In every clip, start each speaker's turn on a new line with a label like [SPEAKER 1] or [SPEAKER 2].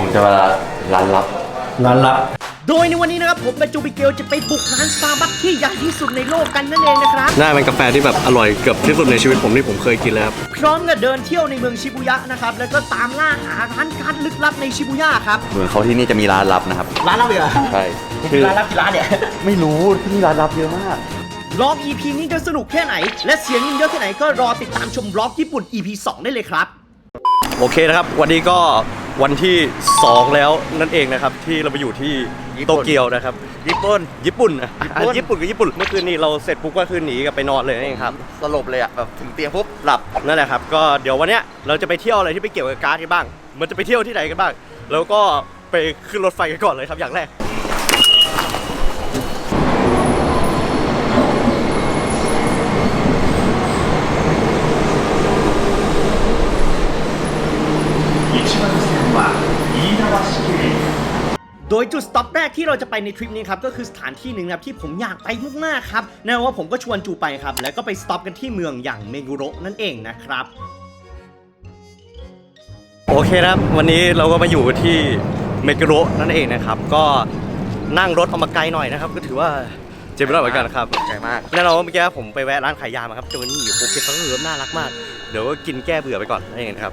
[SPEAKER 1] จะมาร้านลับ
[SPEAKER 2] โดยในวันนี้นะครับผมกับจูบิเกลจะไปบุกร้านสตาร์บัคที่ใหญ่ที่สุดในโลกกันนั่นเองนะครับ
[SPEAKER 3] น่าเป็นกาแฟที่แบบอร่อยเกือบที่สุดในชีวิตผมที่ผมเคยกินแล้วครับ
[SPEAKER 2] พร้อมกับเดินเที่ยวในเมืองชิบูย่านะครับแล้วก็ตามล่าหาร้านการลึกลับในชิบูย่าครับ
[SPEAKER 1] เหมือนเขาที่นี่จะมีร้านลับนะครับ
[SPEAKER 2] ร้านลับเหรอ
[SPEAKER 1] ใช่
[SPEAKER 2] คือร้านลับกี่ร้านเนี่ย
[SPEAKER 1] ไม่รู้ที่นี่ร้านลับเยอะมาก
[SPEAKER 2] บล็อก EP นี้จะสนุกแค่ไหนและเสียงเยอะแค่ไหนก็รอติดตามชมบล็อกญี่ปุ่น EP 2 ได้เลยครับ
[SPEAKER 3] โอเคนะครับวันนี้ก็วันที่2แล้วนั่นเองนะครับที่เราไปอยู่ที่โตเกียวนะครับญี่ปุ่นกับญี่ปุ่นเมื่อคืนนี้เราเสร็จปุ๊บก็คือหนีกันไปนอนเลยนี่ครับ
[SPEAKER 1] สลบเลยอะแบบถึงเตียงปุ๊บหลับ
[SPEAKER 3] นั่นแหละครับก็เดี๋ยววันเนี้ยเราจะไปเที่ยวอะไรที่ไปเกี่ยวกับการ์ดกันบ้างมันจะไปเที่ยวที่ไหนกันบ้างแล้วก็ไปขึ้นรถไฟกันก่อนเลยครับอย่างแรก
[SPEAKER 2] โดยจุดสต็อปแรกที่เราจะไปในทริปนี้ครับก็คือสถานที่หนึ่งครับที่ผมอยากไปมากๆครับแน่ว่าผมก็ชวนจูไปครับแล้วก็ไปสต็อปกันที่เมืองอย่างเมกุโระนั่นเองนะครับ
[SPEAKER 3] โอเคครับวันนี้เราก็มาอยู่ที่เมกุโระนั่นเองนะครับก็นั่งรถออกมาไกลหน่อยนะครับก็ถือว่าเจ็บไม่ได้เหมือนกันครับ
[SPEAKER 1] ไกลมาก
[SPEAKER 3] แน่นอนว่าเมื่อกี้ผมไปแวะร้านขายยามาครับเจอนี่โอเคเขาก็น่ารักมากเดี๋ยวก็กินแก้เบื่อไปก่อนนั่นเองนะครับ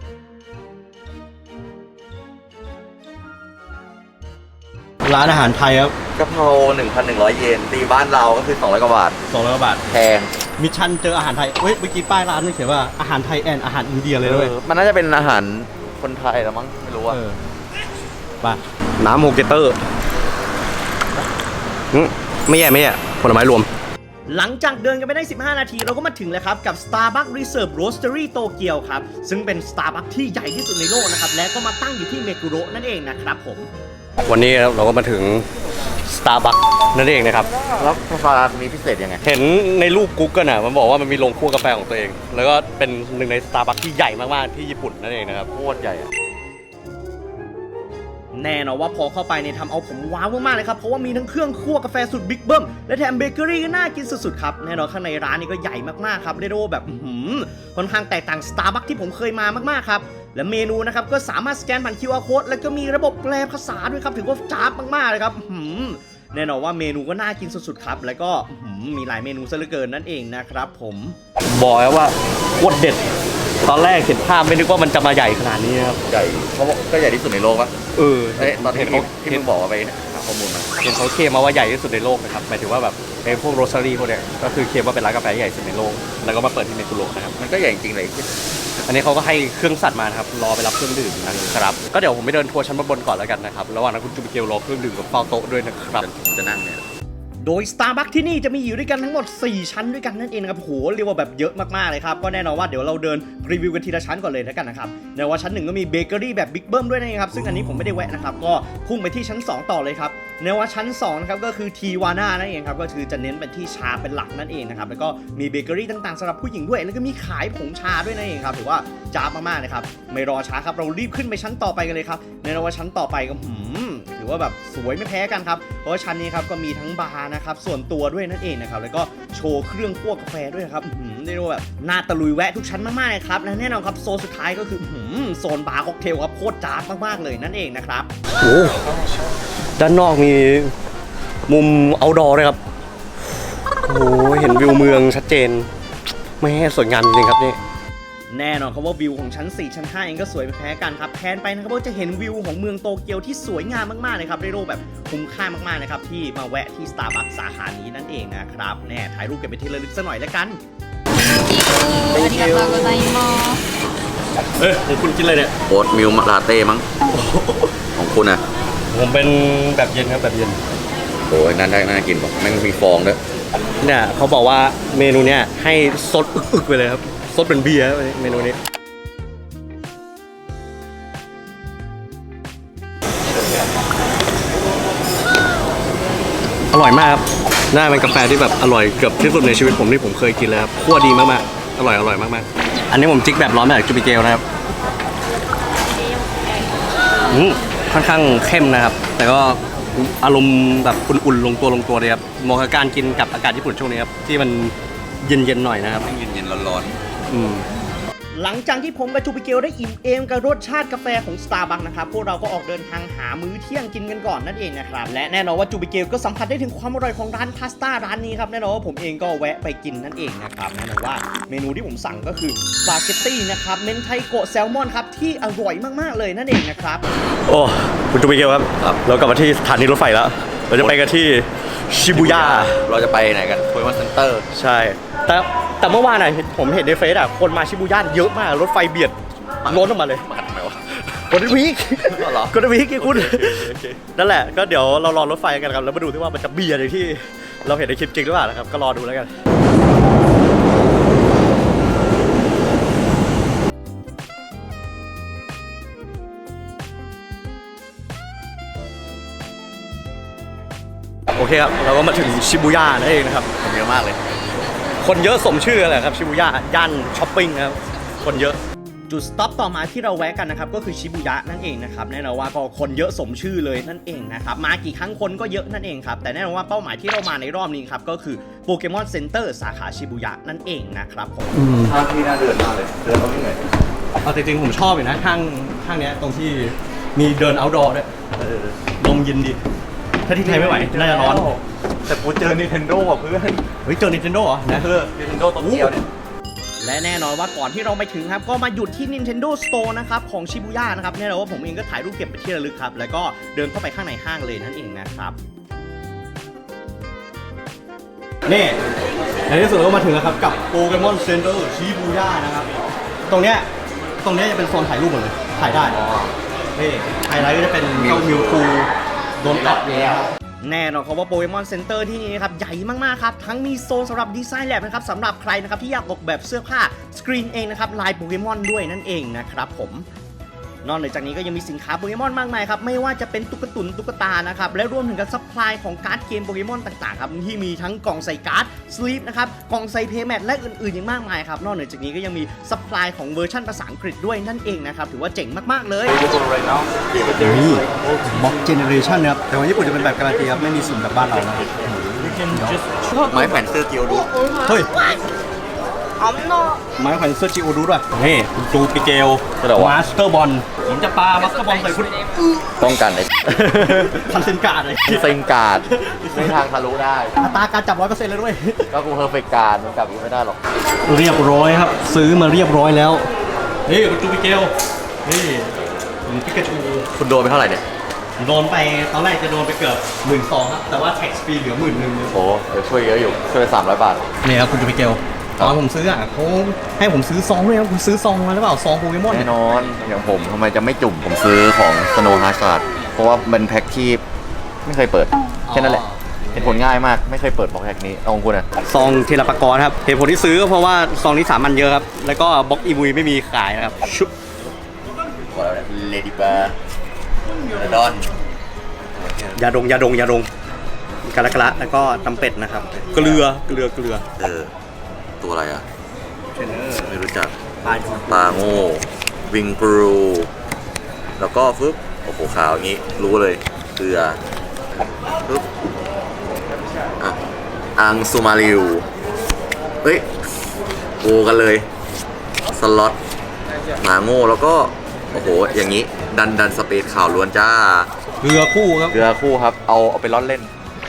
[SPEAKER 3] ร้านอาหารไทยครับ
[SPEAKER 1] กะเพรา 1,100 เยนตีบ้านเราก็คือ200 กว่าบาท
[SPEAKER 3] 200 กว่าบาท
[SPEAKER 1] แพง
[SPEAKER 3] มิชชั่นเจออาหารไทยเฮ้ยเมื่อกี้ป้ายร้านนี่เขียนว่าอาหารไทยแอนอาหารอินเดียเลยด้วย
[SPEAKER 1] มันน่าจะเป็นอาหารคนไทยแล้วมั้งไม่รู้ว่า
[SPEAKER 3] ป่ะน้ำโฮเกเตอร์ไม่แย่ผลไม้รวม
[SPEAKER 2] หลังจากเดินกันไปได้15 นาทีเราก็มาถึงแล้วครับกับ Starbucks Reserve Roastery โตเกียวครับซึ่งเป็น Starbucks ที่ใหญ่ที่สุดในโลกนะครับและก็มาตั้งอยู่ที่เมกุโระนั่นเองนะครับผม
[SPEAKER 3] วันนี้เราก็มาถึง Starbucks นั่นเองนะครับ
[SPEAKER 1] แล้วกาแฟมีพิเศษยังไง
[SPEAKER 3] เห็นในรูป Google น่ะมันบอกว่ามันมีโรงคั่วกาแฟของตัวเองแล้วก็เป็นหนึ่งใน Starbucks ที่ใหญ่มากๆที่ญี่ปุ่นนั่นเองนะครับ
[SPEAKER 1] โคตรใหญ่อะ
[SPEAKER 2] แน่นอนว่าพอเข้าไปเนี่ยทำเอาผมว้าวมากๆเลยครับเพราะว่ามีทั้งเครื่องคั่วกาแฟสุดบิ๊กเบิ้มและแถมเบเกอรี่ก็น่ากินสุดๆครับแน่นอนข้างในร้านนี้ก็ใหญ่มากๆครับเรียกว่าแบบค่อนข้างแตกต่าง Starbucks ที่ผมเคยมามากๆครับและเมนูนะครับก็สามารถสแกนผ่าน QR Code แล้วก็มีระบบแปลภาษาด้วยครับถือว่าจ้าบมากๆเลยครับแน่นอนว่าเมนูก็น่ากินสุดๆครับแล้วก็มีหลายเมนูซะเหลือเกินนั่นเองนะครับผม
[SPEAKER 3] บอกแล้วว่าโคตรเด็ดตอนแรกเห็นภาพไม่นึกว่ามันจะมาใหญ่ขนาดนี้ครับ
[SPEAKER 1] ใหญ่เขาก็ใหญ่ที่สุดในโลกปะตอน
[SPEAKER 3] เห็น
[SPEAKER 1] ที่มึงบอกว่าไปหาข้อมูลมา
[SPEAKER 3] เห็นเขาเคลมมาว่าใหญ่ที่สุดในโลกนะครับหมายถึงว่าแบบไอ้พวกโรสซารี่พวกเนี้ยก็คือเคลมว่าเป็นร้านกาแฟใหญ่สุดในโลกแล้วก็มาเปิดที่เมกุโระนะครับ
[SPEAKER 1] มันก็ใหญ่จริงเลย
[SPEAKER 3] อันนี้เขาก็ให้เครื่องสัตว์มานะครับรอไปรับเครื่องดื่มนะครับก็เดี๋ยวผมไปเดินทัวร์ชั้นบนก่อนแล้วกันนะครับระหว่างนั้นคุณจูบิเกลรอเครื่องดื่มกับเฝ้าโต๊ะด้วยนะครับ
[SPEAKER 1] ผมจะนั่งเนี่ย
[SPEAKER 2] โดย Starbucks ที่นี่จะมีอยู่ด้วยกันทั้งหมด4ชั้นด้วยกันนั่นเองนะครับโหเรียกว่าแบบเยอะมากๆเลยครับก็แน่นอนว่าเดี๋ยวเราเดินรีวิวกันทีละชั้นก่อนเลยแล้วกันนะครับในว่าชั้น1ก็มีเบเกอรี่แบบบิ๊กเบิ้มด้วยนะครับซึ่งอันนี้ผมไม่ได้แวะนะครับก็พุ่งไปที่ชั้น2ต่อเลยครับในว่าชั้น2นะครับก็คือทีวาน่านั่นเองครับก็คือจะเน้นเป็นที่ชาเป็นหลักนั่นเองนะครับแล้วก็มีเบเกอรี่ต่างๆสำหรับผู้หญิงด้วยแล้วก็มีขายผงชาด้วยนั่นเองครับถือว่าจ้าบมากๆเลยครับไม่รอช้าครับเรารีบขึ้นไปชั้นต่อไปกันเลยครับในว่าชั้นต่อไปก็ถือว่าแบบสวยไม่แพ้กันครับเพราะว่าชั้นนี้ครับก็มีทั้งบาร์นะครับส่วนตัวด้วยนั่นเองนะครับแล้วก็โชว์เครื่องคั่วกาแฟด้วยนะครับได้รู้แบบน่าตะลุยแวะทุกชั้นมากๆเลยครับและแน่นอนครับโซนสุดท้ายก็คือโซนบาร์ค็อกเทลครับโคตรจ้าบมากๆเลยนั่นเองนะครับ
[SPEAKER 3] โอ้ด้านนอกมีมุมเอาท์ดอร์เลยครับโอ้เห็นวิวเมืองชัดเจนไม่ให้สวยงามจริงครับนี่
[SPEAKER 2] แน่นอนครับว่าวิวของชั้น4ชั้น5เองก็สวยไม่แพ้กันครับแพนไปนะครับว่าจะเห็นวิวของเมืองโตเกียวที่สวยงามมากๆเลยครับได้รูปแบบคุ้มค่ามากๆนะครับที่มาแวะที่ Starbucks สาขานี้นั่นเองนะครับแน่ถ่ายรูปเก็บเป็นที่ระลึกสักหน่อยแล้วกัน
[SPEAKER 3] ของคุณกินอะไรเนี่ย
[SPEAKER 1] โอ๊ตมิลลาเต้มั้งของคุณอะ
[SPEAKER 3] ผมเป็นแบบเย็นครับแบบเย็น
[SPEAKER 1] โอ้ยน่ากินป่ะแม่งมีฟองด้วย
[SPEAKER 3] เนี่ยเขาบอกว่าเมนูเนี้ยให้ซดอึกๆไปเลยครับซดเป็นเบียร์เมนูนี้อร่อยมากครับน่าเป็นกาแฟที่แบบอร่อยเกือบที่สุดในชีวิตผมที่ผมเคยกินเลยครับคั่วดีมากๆอร่อยมากๆอันนี้ผมจิกแบบร้อนแบบจูบิเกลนะครับค่อนข้างเข้มนะครับแต่ก็อารมณ์แบบอุ่นๆลงตัวเลยครับเหมาะกับการกินกับอากาศญี่ปุ่นช่วงนี้ครับที่มันเย็นๆหน่อยนะครับ
[SPEAKER 1] เย็นๆร้อน
[SPEAKER 2] หหลังจากที่ผมกับจูปิเกลได้อิ่มเอมกับรสชาติกาแฟของ Starbucks นะครับพวกเราก็ออกเดินทางหามื้อเที่ยงกินกันก่อนนั่นเองนะครับและแน่นอนว่าจูปิเกลก็สัมผัสได้ถึงความอร่อยของร้านพาสต้าร้านนี้ครับแน่นอนว่าผมเองก็แวะไปกินนั่นเองนะครับแน่นอนว่าเมนูที่ผมสั่งก็คือสปาเกตตี้นะครับเมนไทโกะแซลมอนครับที่อร่อยมากๆเลยนั่นเองนะครับ
[SPEAKER 3] โอ้คุณจูบิเกลครับเรากลับมาที่สถานีรถไฟแล้วเราจะไปกันที่ชิบูย่า
[SPEAKER 1] เราจะไปไหนกันโปเกมอนเซ็นเตอร์
[SPEAKER 3] ใช่แต่เมื่อวานน่ะผมเห็นในเฟซอ่ะคนมาชิบูย่าเยอะมากรถไฟเบียดล้นออกมาเลย
[SPEAKER 1] มาทำไมวะ
[SPEAKER 3] กดวีค
[SPEAKER 1] เหรอ
[SPEAKER 3] กดวีคคุณนั่นแหละก็เดี๋ยวเรารอรถไฟกันครับแล้วมาดูที่ว่ามันจะเบียดอย่างที่เราเห็นในคลิปจริงหรือเปล่านะครับก็รอดูแล้วกันโอเคครับเราก็มาถึงชิบูย่านั่นเองนะครับ
[SPEAKER 1] คนเยอะมากเลย
[SPEAKER 3] คนเยอะสมชื่อแหละครับชิบูย่าย่านช้อปปิ้งนะครับคนเยอะ
[SPEAKER 2] จุดสต็อปต่อมาที่เราแวะกันนะครับก็คือชิบูยะนั่นเองนะครับแน่นอนว่าก็คนเยอะสมชื่อเลยนั่นเองนะครับมากี่ครั้งคนก็เยอะนั่นเองครับแต่แน่นอนว่าเป้าหมายที่เรามาในรอบนี้ครับก็คือโปเกมอนเซ็นเตอร์สาขาชิบูยะนั่นเองนะครับผม
[SPEAKER 1] ท่าที่น่าเดินมากเลย เดินเขาไม่เหนื่อย
[SPEAKER 3] เอาจริงๆผมชอบอยู่นะห้างเนี้ยตรงที่มีเดิน outdoor ด้วยลมเย็นดีถ้าที่ไทยไม่ไหวน่าจะร้อน
[SPEAKER 1] แต่กูเจอ Nintendo อ่ะเพื่อน
[SPEAKER 3] เฮ้ยเจอ Nintendo เหรอนะ
[SPEAKER 1] Nintendo โตเกียวเนี่ย
[SPEAKER 2] และแน่นอนว่าก่อนที่เราไปถึงครับก็มาหยุดที่ Nintendo Store นะครับของชิบูย่านะครับแน่นอนว่าผมเองก็ถ่ายรูปเก็บเป็นที่ระลึกครับแล้วก็เดินเข้าไปข้างในห้างเลยนั่นเองนะครับ
[SPEAKER 3] นี่ในที่สุดก็มาถึงแล้วครับกับโปเกมอนเซ็นเตอร์ชิบูย่านะครับตรงเนี้ยจะเป็นโซนถ่ายรูปหมดเลยถ่ายได้นี่ไฮไลท์ก็จะเป็นเจ้ามิวคูโดนตัดเลยครับ
[SPEAKER 2] แน่นอนครับว่าโปเกมอนเซ็นเตอร์ที่นี่นะครับใหญ่มากๆครับทั้งมีโซนสำหรับดีไซน์แลบนะครับสำหรับใครนะครับที่อยากออกแบบเสื้อผ้าสกรีนเองนะครับลายโปเกมอนด้วยนั่นเองนะครับผมนอกจากนี้ก็ยังมีสินค้าโปเกมอนมากมายครับไม่ว่าจะเป็นตุ๊กตุนตุ๊กตานะครับและรวมถึงกับซัพพลายของการ์ดเกมโปเกมอนต่างๆครับที่มีทั้งกล่องใส่การ์ดสลีปนะครับกล่องใส่เพย์แมทและอื่นๆอย่างมากมายครับนอกจากนี้ก็ยังมีซัพพลายของเวอร์ชันภาษาอังกฤษด้วยนั่นเองนะครับถือว่าเจ๋งมากๆเลย
[SPEAKER 3] นี่บ็อกเจเนเรชันนะครับแต่ว่าญี่ปุ่นจะเป็นแบบการันตีครับไม่มีสุ่มแบบบ้านเรานะ
[SPEAKER 1] ไม้แผ่นเสื้อเกียวดู
[SPEAKER 3] เฮ้ยไม้แขวนเสื้อจิโอดูด้วยนี่จูปิเกลมาสเตอร์บอลผมจะปามาสเตอร์บอลใส่คุณ
[SPEAKER 1] ป้องกันไอ้
[SPEAKER 3] ทันเซนการ์ดเลย
[SPEAKER 1] เซ็งการ์ดไม่ทางทะลุได้
[SPEAKER 3] อัตราการจับ 100% เลยด้วย
[SPEAKER 1] ก็กูเพอร์เฟกต์การ์ดมันกลับกูไม่ได้หรอก
[SPEAKER 3] เรียบร้อยครับ ซื้อมาเรียบร้อยแล้ว นี่คุณจูปิเกลนี่ปิกาจู
[SPEAKER 1] คุณโดนไปเท่าไหร่เนี่ย
[SPEAKER 3] โดนไปตอนแรกจะโดนไปเกือบ12,000ครับ แต่ว่าแท็กฟรีเหลือ11,000
[SPEAKER 1] โอ้เดี๋ยวช่วยเยอะอยู่ ช่วย300 บาท
[SPEAKER 3] นี่ครับคุณจูปิเกลตอนผมซื้ออ่ะเขาให้ผมซื้อซองด้วยครับคุณซื้อซองมาหรือเปล่าซองโปเกมอน
[SPEAKER 1] แน่นอน อย่างผมทำไมจะไม่จุ่ม ผมซื้อของ Snow Hazard เพราะว่าเป็นแพ็คที่ไม่เคยเปิด แค่นั้นแหละเป็นผลง่ายมาก ไม่เคยเปิดบล็อกแพ็คนี้ เอาของคุณนะ
[SPEAKER 3] ซองเทเลปากรครับเหตุผลที่ซื้อก็เพราะว่าซองนี้สามันเยอะครับ แล้วก็บล็อกอีมุยไม่มีขายนะครับชุบ
[SPEAKER 1] บอกแล้วเลดี้บาร์ดอน
[SPEAKER 3] ยาดงกะละแล้วก็ตำเป็ดนะครับ เกลือ
[SPEAKER 1] ตัวอะไรอ่ะ
[SPEAKER 3] เทรนเนอร์
[SPEAKER 1] ไม่รู้จัก
[SPEAKER 3] ปลาย
[SPEAKER 1] ปลาโง่ วิงกรูแล้วก็ฟึบโอ้โหขาวอย่างนี้ รู้เลย เกลือฟึบอ่ะอังซูมาริว เฮ้ยโอกันเลย สล็อตหมาโง่แล้วก็ โอ้โห อย่างนี้ ดันสเปซข่าวล้วนจ้า
[SPEAKER 3] เกลือคู่ครับ
[SPEAKER 1] เกลือคู่ครับ เอาไปร่อนเล่น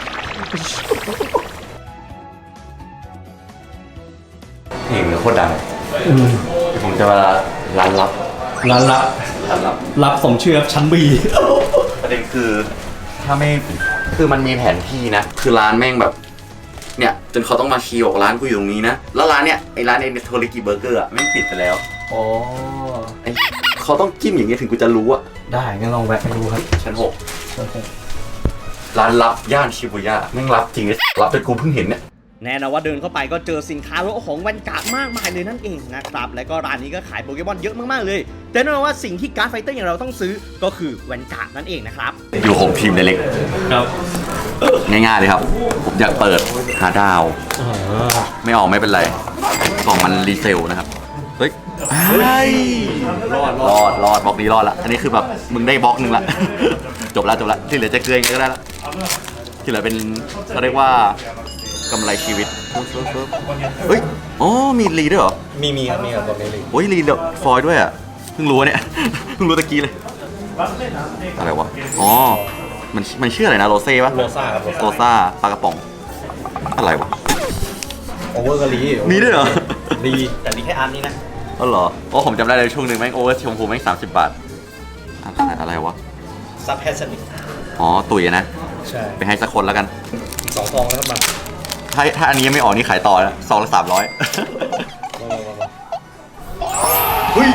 [SPEAKER 1] เพลงโคตรดังผมจะมาร้านลับ
[SPEAKER 3] ร้านรับสมชื่อครับชั้นบี
[SPEAKER 1] ประเด็นคือถ้าไม่คือมันมีแผนที่นะ คือร้านแม่งแบบ เนี่ย จนเขาต้องมาชี้บอกร้านกูอยู่ตรงนี้นะ แล้วร้านเนี่ยไอ้ร้านเอ็นโทริกิเบอร์เกอร์อ่ะแม่งปิดไปแล้ว
[SPEAKER 3] อ๋อ
[SPEAKER 1] ไอ้เขาต้องจิ้มอย่างเงี้ยถึงกูจะรู้อ่ะ
[SPEAKER 3] ได้งั้นลองแวะไปดูครับ
[SPEAKER 1] ชั้น6ร้านลับย่านชิบูย่าแม่งลับจริงไอ้ลับจนกูเพิ่งเห็นเนี่ย
[SPEAKER 2] แน่นอนว่าเดินเข้าไปก็เจอสินค้ารถของแวนการ์ดมากมายเลยนั่นเองนะครับและก็ร้านนี้ก็ขายโปเกมอนเยอะมากๆเลยแต่แน่นอนว่าสิ่งที่การ์ดไฟเตอร์อย่างเราต้องซื้อก็คือแวนการ์ดนั่นเองนะครับ
[SPEAKER 1] อยู่โฮมทีมเล็ก
[SPEAKER 3] ครับ
[SPEAKER 1] ง่ายๆเลยครับ ผมอยากเปิดหาดาว ไม่ออกไม่เป็นไรกล่องมันรีเซลนะครับ เฮ้ยรอดบล็อกนี้รอดละ อันนี้คือแบบมึงได้บล็อกหนึ่งละ จบละที่เหลือจะเกลือยังไงก็ได้ละที่เหลือเป็นเขาเรียกว่ากำไรชีวิตเฮ้ยอ๋อมีรีด้วยเหรอ
[SPEAKER 3] มีครับตัวนี้เลย
[SPEAKER 1] โอ้ยรีฟอยล์ด้วยอ่ะเพิ่งรู้เนี่ย เพิ่งรู้ตะกี้เลยอะไรวะอ๋อมันชื่ออะไรนะโรเซ่ปะ
[SPEAKER 3] โรซ่าครับ
[SPEAKER 1] โรซ่าปลากระป๋องอะไรวะ
[SPEAKER 3] โอเวอร์กะลี
[SPEAKER 1] มีด้วยเหรอ
[SPEAKER 3] ลีแต่ลีแค่อันนี้นะ
[SPEAKER 1] อ๋อเหรอโอ้ผมจำได้เลยช่วงหนึ่งแม่งโอเวอร์ชมพูแม่ง30 บาทอะไรวะ
[SPEAKER 3] ซับแฮสเซนิก
[SPEAKER 1] อ๋อตุ๋ยนะ
[SPEAKER 3] ใช่
[SPEAKER 1] ไปให้สักคนแล้วกัน
[SPEAKER 3] อีก2 ซองแล้วครับมา
[SPEAKER 1] ถ้าอันนี้ยังไม่ออกนี่ขายต่อนะซองละ300เฮ้ย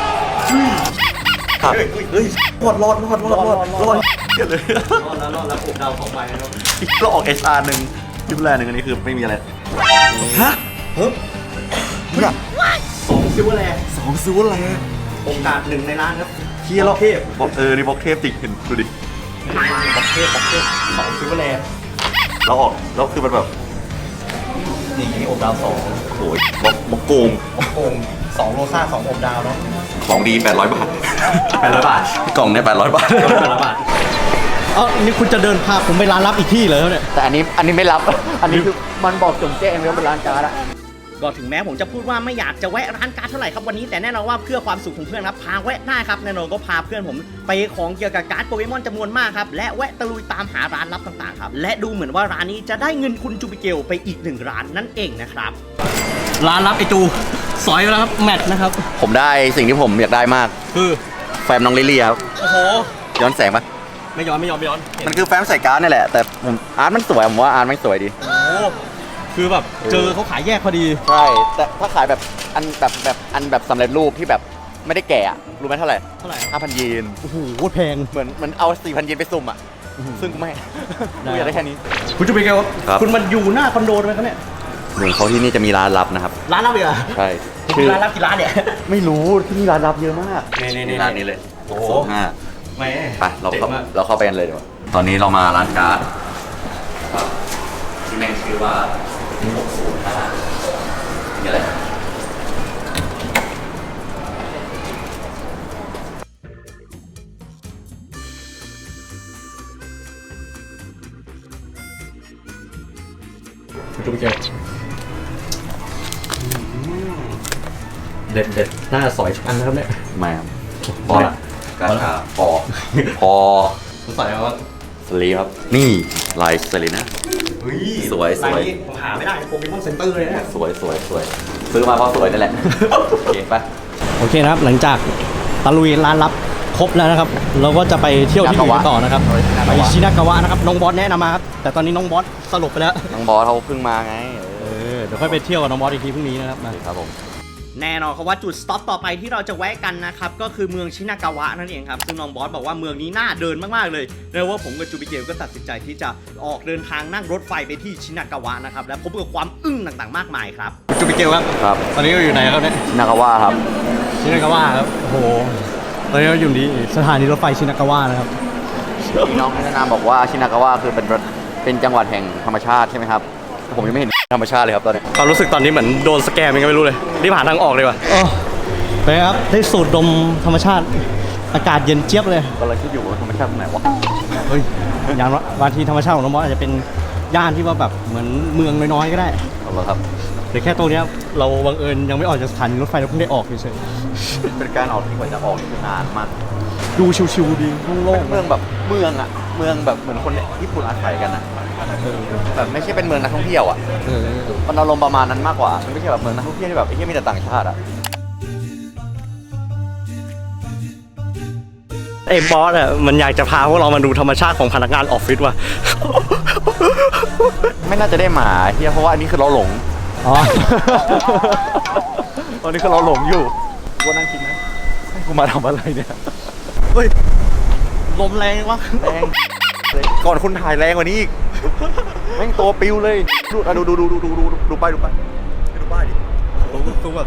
[SPEAKER 1] เฮ้ยรอดเยอะเลย
[SPEAKER 3] รอดแล้วผมเดา2 ใบนะครับ
[SPEAKER 1] เราออก SR หนึ่งทิปแรกหนึ่งอันนี้คือไม่มีอะไรฮะ
[SPEAKER 3] เฮ้ย
[SPEAKER 1] เนี่ย
[SPEAKER 3] 2 ซิลเวอร์แลนด์
[SPEAKER 1] 2ซื้ออะไร
[SPEAKER 3] โอกาส1ในล้านครับ
[SPEAKER 1] เฮียเรา
[SPEAKER 3] เทพ
[SPEAKER 1] บอกนี่บอกเทพจริงเห็นดูดิ
[SPEAKER 3] บอกเทพ2 ซิลเวอร์แลนด์
[SPEAKER 1] เราออกแล้วคือมันแบบ
[SPEAKER 3] นี่อบดาว
[SPEAKER 1] โอ้ยบอกโกง
[SPEAKER 3] 2โกง2โรซ่า2อบดาวเนาะ
[SPEAKER 1] ของดี800 บาท
[SPEAKER 3] 800 บาท
[SPEAKER 1] กล่องเนี่ย800 บาท
[SPEAKER 3] 800 บาทนี่คุณจะเดินพาผมไปร้านลับอีกที่เลยเนี่ย
[SPEAKER 1] แต่อันนี้ไม่รับ อันนี้คือมันบอกจงแจ้งแล้วเป็นร้านการ์ดอะ
[SPEAKER 2] ก็ถึงแม้ผมจะพูดว่าไม่อยากจะแวะร้านการ์ดเท่าไหร่ครับวันนี้แต่แน่นอนว่าเพื่อความสุขของเพื่อนครับพาแวะได้ครับแน่นอนก็พาเพื่อนผมไปของเกี่ยวกับการ์ดโปเกมอนจำนวนมากครับและแวะตะลุยตามหาร้านลับต่างๆครับและดูเหมือนว่าร้านนี้จะได้เงินคุณจูปิเกลไปอีก1 ร้านนั่นเองนะครับร้านลับไอจูสอยแล้วครับแมทนะครับ
[SPEAKER 1] ผมได้สิ่งที่ผมอยากได้มาก
[SPEAKER 3] คือ
[SPEAKER 1] แฟมน้องลิลลี่ครับ
[SPEAKER 3] โอ้โห
[SPEAKER 1] ย้อนแสงปะ
[SPEAKER 3] ไม่ย้อน
[SPEAKER 1] มันคือแฟมใส่การ์ดนี่แหละ แต่ผมอาร์ตมันสวยผมว่าอาร์ตมันสวยดี
[SPEAKER 3] โอ้โหคือแบบเจอเขาขายแยกพอดี
[SPEAKER 1] ใช่ แต่ถ้าขายแบบอันแบบสำเร็จรูปที่แบบไม่ได้แกะอะรู้ไหมเท่าไหร่
[SPEAKER 3] เท่าไหร่
[SPEAKER 1] 5,000 เยน
[SPEAKER 3] โอ้โหแพง
[SPEAKER 1] เหมือนเอา 4,000 เยนไปสุ่มอ่ะ ซึ่งกูไม่
[SPEAKER 3] ได้
[SPEAKER 1] กูอยากได้แค่นี้
[SPEAKER 3] คุณจูปิเกล
[SPEAKER 1] ครับ
[SPEAKER 3] คุณมันอยู่หน้าคอนโดไหมครับเนี่ย
[SPEAKER 1] เหมือนเขาที่นี่จะมีร้านลับนะครับ
[SPEAKER 3] ร้านลับอีกเหรอ
[SPEAKER 1] ใช่
[SPEAKER 3] คือร้านลับกี่ร้านเนี่ย
[SPEAKER 1] ไม่รู้ที่นี่ร้านลับเยอะมาก
[SPEAKER 3] นี่
[SPEAKER 1] ร้านนี้เลย
[SPEAKER 3] โอ้โห
[SPEAKER 1] 5
[SPEAKER 3] ไม่
[SPEAKER 1] ไปเราเข้าไปกันเลยดีกว่าตอนนี้เรามาร้านการ์ดครับที่แม่งชื่อว่า605นี่อะไร
[SPEAKER 3] คุณจูปิเกลเด็ดน่าจะสอยทุกอันนะครับเนี่ย
[SPEAKER 1] ไม่ครับ
[SPEAKER 3] พอละ
[SPEAKER 1] กาชาพอ
[SPEAKER 3] คุณใส่แล้วว่า
[SPEAKER 1] สลีครับ นี่ลายสลีนะ
[SPEAKER 3] เฮ้ย
[SPEAKER 1] สวย
[SPEAKER 3] ร้านนี้ผมหาไม่ได้โปเกมอนเซ็นเตอร์เลยเนี่ย
[SPEAKER 1] สวยซื้อมาเพราะสวยนั่นแหละ โอเคปะ
[SPEAKER 3] โอเคนะครับหลังจากตะลุยร้านลับครบแล้วนะครับ เราก็จะไปเที่ยวที่อื่นกันต่อนะครับไปชินากาวะนะครับน้องบอสแนะนำมาครับแต่ตอนนี้น้องบอสสลบไปแล้ว
[SPEAKER 1] น้องบอสเขาเพิ่งมาไง
[SPEAKER 3] เดี๋ยวค่อยไปเที่ยวกับน้องบอสอีกทีพรุ่งนี้นะครับมา
[SPEAKER 1] ครับผม
[SPEAKER 2] แน่นอนครับว่าจุดสต็อปต่อไปที่เราจะแวะกันนะครับก็คือเมืองชินากาวะนั่นเองครับซึ่งน้องบอสบอกว่าเมืองนี้น่าเดินมากๆเลยแล้วว่าผมกับจูบิเกลก็ตัดสินใจที่จะออกเดินทางนั่งรถไฟไปที่ชินากาวะนะครับและพบกับความอึ้งต่างๆมากมายครับ
[SPEAKER 3] จูปิเกลครับ
[SPEAKER 1] ครับ
[SPEAKER 3] ตอนนี้เราอยู่ไหนครับเนี่ย
[SPEAKER 1] นากาวะครับ
[SPEAKER 3] ชินากาวะครับโอ้โหตอนนี้เราอยู่ที่สถานีรถไฟชินากาวะนะครับ
[SPEAKER 1] พี่น้องแนะนำบอกว่าชินากาวะคือเป็นจังหวัดแห่งธรรมชาติใช่ไหมครับแต่ผมยังไม่เห็นธรรมชาติเลยครับตอนนี้
[SPEAKER 3] ความรู้สึกตอนนี้เหมือนโดนสแกมยังไงไม่รู้เลยรีบหาทางออกเลยว่ะไปครับได้สูดดมธรรมชาติอากาศเย็นเจี๊ยบเลย
[SPEAKER 1] กำลังคิดอยู่ว่าธรรมชาติตรงไหนวะ
[SPEAKER 3] เฮ้ยอย่างว่าบางทีธรรมชาติของน้องบอสอาจจะเป็นย่านที่ว่าแบบเหมือนเมืองน้อยๆก็ได้
[SPEAKER 1] เอาละครับ
[SPEAKER 3] แต่แค่ตรงเนี้ยเราบังเอิญยังไม่ออกจากสถานีรถไฟเราเพิ่งได้ออกเฉย
[SPEAKER 1] เป็นการออกที่กว่าจะออกนี่คือนานมาก
[SPEAKER 3] ๆดูชิวๆดีโล่ง
[SPEAKER 1] เมืองแบบเมืองอะเมืองแบบเหมือนคนญี่ปุ่นอาศัยกันอะ
[SPEAKER 3] ๆ
[SPEAKER 1] แบบไม่ใช่เป็นเมืองนักท่องเที่ยวอะมันอารมณ์ประมาณนั้นมากกว่ามันไม่ใช่แบบเมืองนักท่องเที่ยวที่แบบไอ้ที่มีแต่ต่างชาติอะ
[SPEAKER 3] ไอ้บอสอ่ะมันอยากจะพาพวกเรามาดูธรรมชาติของพนักงานออฟฟิศว่ะ
[SPEAKER 1] ไม่น่าจะได้หมาเฮียเพราะว่าอันนี้คือเราหลง
[SPEAKER 3] อ๋อ
[SPEAKER 1] ตอนนี้คือเราหลงอยู่กูนั่งคิดนะให้กูมาทำอะไรเนี่ย
[SPEAKER 3] เฮ้ยลมแรงวะ
[SPEAKER 1] แรงเลยก่อนคุณถ่ายแรงกว่านี้อีกแม่งตัวปิวเลยดูป้ายดิ
[SPEAKER 3] สู้ก่อน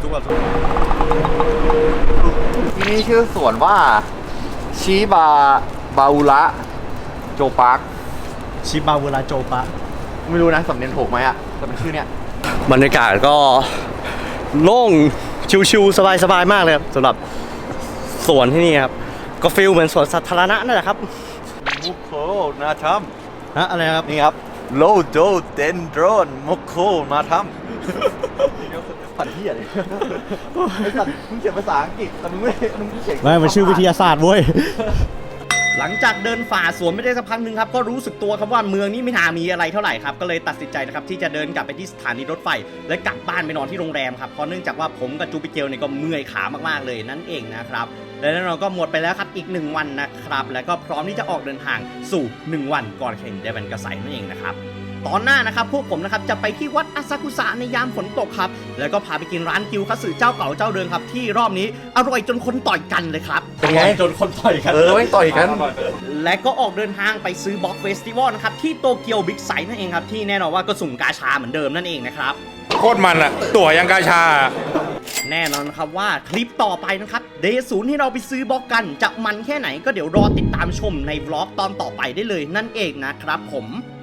[SPEAKER 1] ที่นี่ชื่อสวนว่าชิบาบาอุระโจปาร์ค
[SPEAKER 3] ชิบาเวลาโจปะ
[SPEAKER 1] ไม่รู้นะสำเนียงถูกไหมอะแต่เป็นชื่อเนี้ย
[SPEAKER 3] บรรยากาศก็โล่งชิวๆสบายๆมากเลยครับสำหรับสวนที่นี่ครับก็ฟีลเหมือนสวนสาธารณะนั่นแหละครับ
[SPEAKER 1] มุกโคนาชัม
[SPEAKER 3] ฮะอะไรครับ
[SPEAKER 1] นี่ครับโลโดเดนโดรนโมโคมาทำผันที่อะไรไอ้สัตว์มึงเขียนภาษาอังกฤษแต่มึงไม่เขียน
[SPEAKER 2] ไม่มันชื่อวิทยาศาสตร์เว้ย หลังจากเดินฝ่าสวนไม่ได้สักพักหนึ่งครับก็รู้สึกตัวครับว่าเมืองนี้ไม่น่ามีอะไรเท่าไหร่ครับก็เลยตัดสินใจนะครับที่จะเดินกลับไปที่สถานีรถไฟและกลับบ้านไปนอนที่โรงแรมครับเพราะเนื่องจากว่าผมกับจูปิเกลเนี่ยก็เมื่อยขามากๆเลยนั่นเองนะครับและแน่นอนก็หมดไปแล้วครับอีก1วันนะครับแล้วก็พร้อมที่จะออกเดินทางสู่1วันก่อนแข่งเดวันกระไสนั่นเองนะครับตอนหน้านะครับพวกผมนะครับจะไปที่วัดอาซากุสะในยามฝนตกครับแล้วก็พาไปกินร้านกิวคัตสึเจ้าเก่าเจ้าเดิมครับที่รอบนี้อร่อยจนคนต่อยกันเลยครับ
[SPEAKER 3] เป็นไงจนคนต่อยกัน
[SPEAKER 1] ไม่ต่อยกัน
[SPEAKER 2] และก็ออกเดินทางไปซื้อบล็อกเฟสติวัลนะครับที่โตเกียวบิ๊กไซต์นั่นเองครับที่แน่นอนว่าก็สุ่มกาชาเหมือนเดิมนั่นเองนะครับ
[SPEAKER 4] โคตรมันอะตั๋วยังกาชา
[SPEAKER 2] แน่นอนครับว่าคลิปต่อไปนะครับเดย์ศูนย์ที่เราไปซื้อบล็อกกันจะมันแค่ไหนก็เดี๋ยวรอติดตามชมในบล็อกตอนต่อไปได้เลยนั่นเองนะครับผม